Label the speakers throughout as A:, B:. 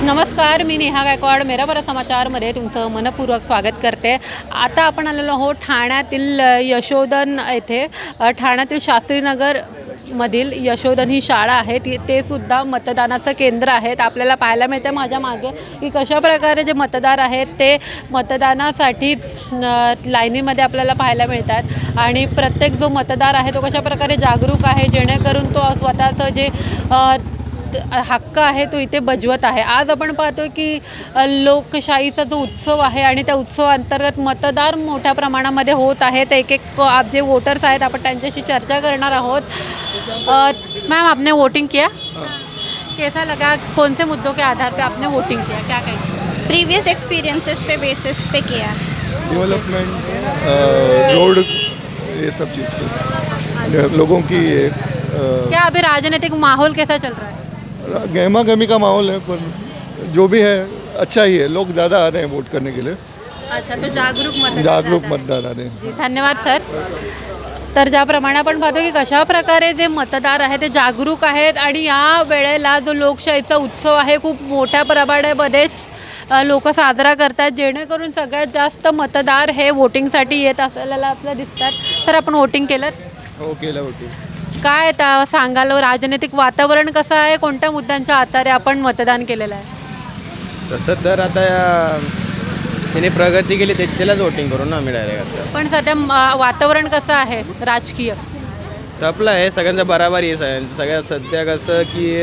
A: नमस्कार, मी नेहा गायकवाड. मेरा बरा समाचारमध्ये तुमचं मनपूर्वक स्वागत करते. आता आपण आलेलो आहोत ठाण्यातील यशोधन येथे. ठाण्यातील शास्त्रीनगर मधील यशोधन ही शाळा आहे, ते सुद्धा मतदानाचं केंद्र आहेत. आपल्याला पाहायला मिळते माझ्या मागे की कशा प्रकारे जे मतदार आहेत ते मतदानासाठी लाईनीमध्ये आपल्याला पाहायला मिळतात. आणि प्रत्येक जो मतदार आहे तो कशा प्रकारे जागरूक आहे, जेणेकरून तो स्वतःचं जे हक्क आहे तो इथे बजवत आहे. आज आपण पाहतो की लोकशाहीचा जो उत्सव आहे आणि त्या उत्सवाअंतर्गत मतदार मोठ्या प्रमाणामध्ये होत आहेत. एक आप जे वोटर्स आहेत आपण त्यांच्याशी चर्चा करणार आहोत. मैम, आपने वोटिंग किया? कैसा लगा? कौन से मुद्दों के आधार पे आपने वोटिंग किया? क्या कहेंगे?
B: प्रीवियस एक्सपीरियंसेस पे बेसिस पे किया.
C: डेवलपमेंट, रोड, ये सब चीज़ पे लोगों की
A: क्या अभी राजनीतिक माहौल कैसा चल रहा है?
C: गहमा गहमी का माहौल है, पर जो भी है अच्छा ही है. लोग ज़्यादा आ रहे हैं वोट करने के लिए.
A: अच्छा, तो जागरूक
C: मतदार आ रहे हैं.
A: जी, धन्यवाद सर. तर ज्याप्रमाणे आपण पाहतो की कशा प्रकारे जे मतदार आहेत ते जागरूक आहेत आणि या वेळेला जो लोकशाहीचा उत्सव आहे खूप मोठ्या प्रमाणामध्ये लोक साजरा करतात, जेणेकरून सगळ्यात जास्त मतदार हे वोटिंगसाठी येत असलेला आपल्याला दिसतात. सर, आपण वोटिंग केलं?
C: हो, केलं वोटिंग.
A: काय आता सांगाल, राजनैतिक वातावरण कसं आहे? कोणत्या मुद्द्यांच्या आधारे आपण मतदान केलेलं आहे?
D: तसं तर आता त्याने प्रगती केली त्यालाच वोटिंग करू ना आम्ही डायरेक्ट. आता
A: पण सध्या वातावरण कसं आहे राजकीय?
D: तपलं आहे सगळ्यांचं बराबरी आहे. सगळ्यात सध्या कसं की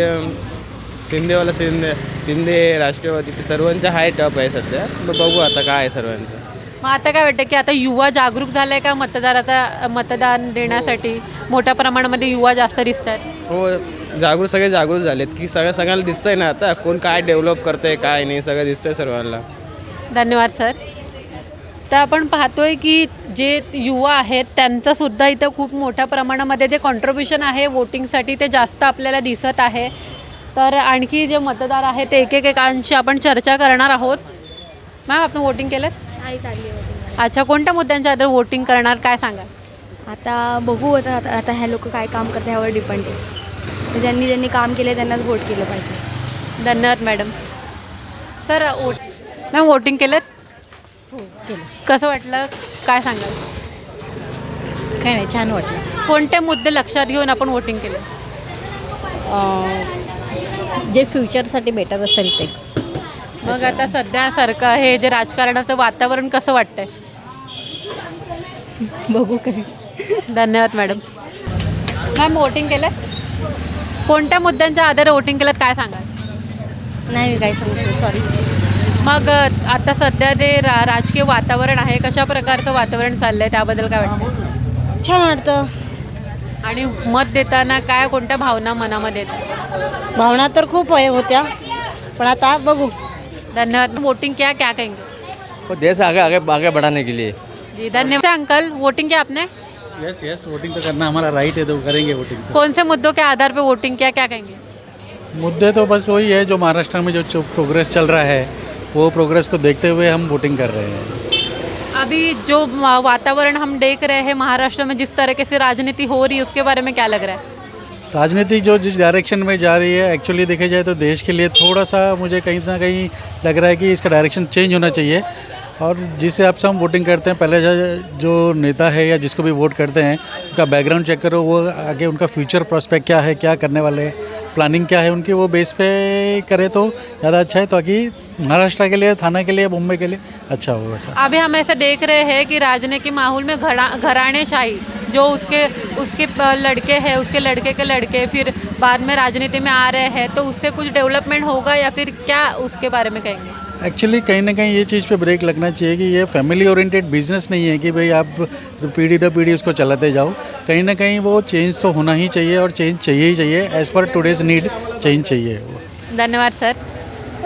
D: शिंदे राष्ट्रवादी ते सर्वांचं हाय टप आहे सध्या. बघू आता काय आहे सर्वांचं.
A: मग आता काय वाटतं की आता युवा जागरूक झाला आहे का मतदान देण्यासाठी? मोठ्या प्रमाणामध्ये युवा जास्त दिसत आहेत.
D: हो, सगळे जागरूक झालेत की सगळ्यांना दिसतंय ना आता कोण काय डेव्हलप करतंय काय नाही, सगळं दिसतंय सर्वांना.
A: धन्यवाद सर. तर आपण पाहतोय की जे युवा आहेत त्यांचंसुद्धा इथं खूप मोठ्या प्रमाणामध्ये जे कॉन्ट्रीब्युशन आहे वोटिंगसाठी ते जास्त आपल्याला दिसत आहे. तर आणखी जे मतदार आहेत ते एकेकांशी आपण चर्चा करणार आहोत. मॅम, आपण वोटिंग केलं?
B: नाही चालली होती.
A: अच्छा, कोणत्या मुद्द्यांच्या आधारे वोटिंग करणार काय सांगा?
B: आता बघू आता ह्या लोक काय काम करतात ह्यावर डिपेंड आहे. तर ज्यांनी काम केलं त्यांनाच वोट केलं पाहिजे.
A: धन्यवाद मॅडम. सर, मॅम वोटिंग केलं?
B: हो केलं.
A: कसं वाटलं काय सांगाल?
B: काय नाही, छान वाटलं.
A: कोणते मुद्दे लक्षात घेऊन आपण वोटिंग केलं?
B: जे फ्युचरसाठी बेटर असेल ते.
A: मग आता सध्या सरकार हे जे राजकारणाचं वातावरण कसं वाटतंय?
B: बघू काय.
A: धन्यवाद मॅडम. मॅम, वोटिंग केलं? कोणत्या मुद्द्यांच्या आधारे वोटिंग केलं काय सांगाल?
B: नाही, मी काय सांगते, सॉरी.
A: मग आता सध्या जे राजकीय वातावरण आहे कशा प्रकारचं वातावरण चाललं आहे त्याबद्दल काय वाटतं?
B: छान वाटतं.
A: आणि मत देताना काय कोणत्या भावना मनामध्ये येतात?
B: भावना तर खूप होत्या, पण आता बघू.
A: धन्यवाद. वोटिंग क्या कहेंगे?
E: वो देश आगे आगे आगे बढ़ाने के लिए.
A: जी, धन्यवाद. अंकल, वोटिंग किया आपने?
F: यस, वोटिंग तो करना हमारा राइट है, तो करेंगे वोटिंग तो.
A: कौन से मुद्दों के आधार पे वोटिंग किया, क्या कहेंगे?
F: मुद्दे तो बस वही है जो महाराष्ट्र में जो प्रोग्रेस चल रहा है वो प्रोग्रेस को देखते हुए हम वोटिंग कर रहे हैं.
A: अभी जो वातावरण हम देख रहे हैं महाराष्ट्र में, जिस तरीके से राजनीति हो रही है उसके बारे में क्या लग रहा है?
F: राजनीति जो जिस डायरेक्शन में जा रही है, एक्चुअली देखा जाए तो देश के लिए थोड़ा सा मुझे कहीं ना कहीं लग रहा है कि इसका डायरेक्शन चेंज होना चाहिए. और जिस हिसाब से हम वोटिंग करते हैं, पहले जो नेता है या जिसको भी वोट करते हैं उनका बैकग्राउंड चेक करो, वो आगे उनका फ्यूचर प्रोस्पेक्ट क्या है, क्या करने वाले हैं, प्लानिंग क्या है उनकी, वो बेस पे करे तो ज़्यादा अच्छा है, ताकि महाराष्ट्र के लिए, थाना के लिए, मुंबई के लिए अच्छा हो. वैसा
A: अभी हम ऐसा देख रहे हैं कि राजनीतिक माहौल में घराणेशाही, जो उसके लड़के हैं, उसके लड़के के लड़के फिर बाद में राजनीति में आ रहे हैं, तो उससे कुछ डेवलपमेंट होगा या फिर क्या उसके बारे में कहेंगे?
F: एक्चुअली कहीं ना कहीं ये चीज़ पे ब्रेक लगना चाहिए कि ये फैमिली ओरिएंटेड बिजनेस नहीं है कि भाई आप पीढ़ी दर पीढ़ी उसको चलाते जाओ. कहीं ना कहीं वो चेंज तो होना ही चाहिए और चेंज चाहिए ही चाहिए. As per today's need change चाहिए.
A: धन्यवाद सर.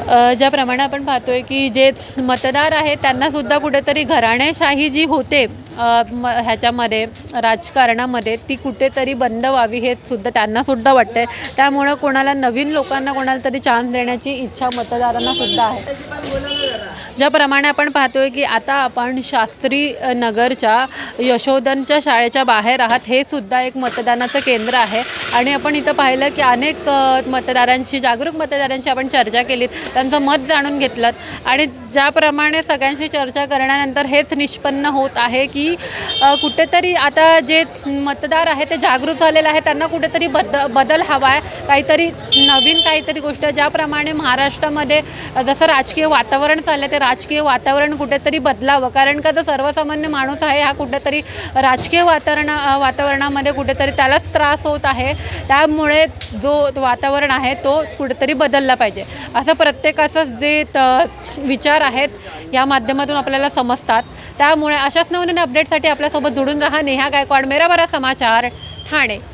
A: ज्याप्रमाणे आपण पाहतोय की जे मतदार आहेत त्यांनासुद्धा कुठेतरी घराणेशाही जी होते ह्याच्यामध्ये राजकारणामध्ये ती कुठेतरी बंद व्हावी हे सुद्धा त्यांनासुद्धा वाटतं आहे. त्यामुळं कोणाला नवीन लोकांना कोणाला तरी चान्स देण्याची इच्छा मतदारांना सुद्धा आहे. ज्याप्रमाणे आपण पाहतोय की आता आपण शास्त्री नगरच्या यशोधनच्या शाळेच्या बाहेर आहात. हे सुद्धा एक मतदानाचं केंद्र आहे आणि आपण इथं पाहिलं की अनेक मतदारांशी जागरूक मतदारांशी आपण चर्चा केलीत, त्यांचं मत जाणून घेतलं आणि ज्याप्रमाणे सगळ्यांशी चर्चा करण्यानंतर हेच निष्पन्न होत आहे की कुठेतरी आता जे मतदार आहे ते जागरूक झालेले आहे. त्यांना कुठेतरी बदल हवा आहे, काहीतरी नवीन काहीतरी गोष्ट. ज्याप्रमाणे महाराष्ट्रामध्ये जसं राजकीय वातावरण चाललं ते राजकीय वातावरण कुठेतरी बदलावं, कारण का जो सर्वसामान्य माणूस आहे हा कुठेतरी राजकीय वातावरणामध्ये कुठेतरी त्यालाच त्रास होत आहे. त्यामुळे जो वातावरण आहे तो कुठेतरी बदलला पाहिजे असं प्रत्येकाचं जे विचार आहेत या माध्यमातून आपल्याला समजतात. त्यामुळे अशाच नवनवीन अपडेटसाठी आपल्यासोबत जोडून राहा. नेहा गायकवाड, मेरा बरा समाचार, ठाणे.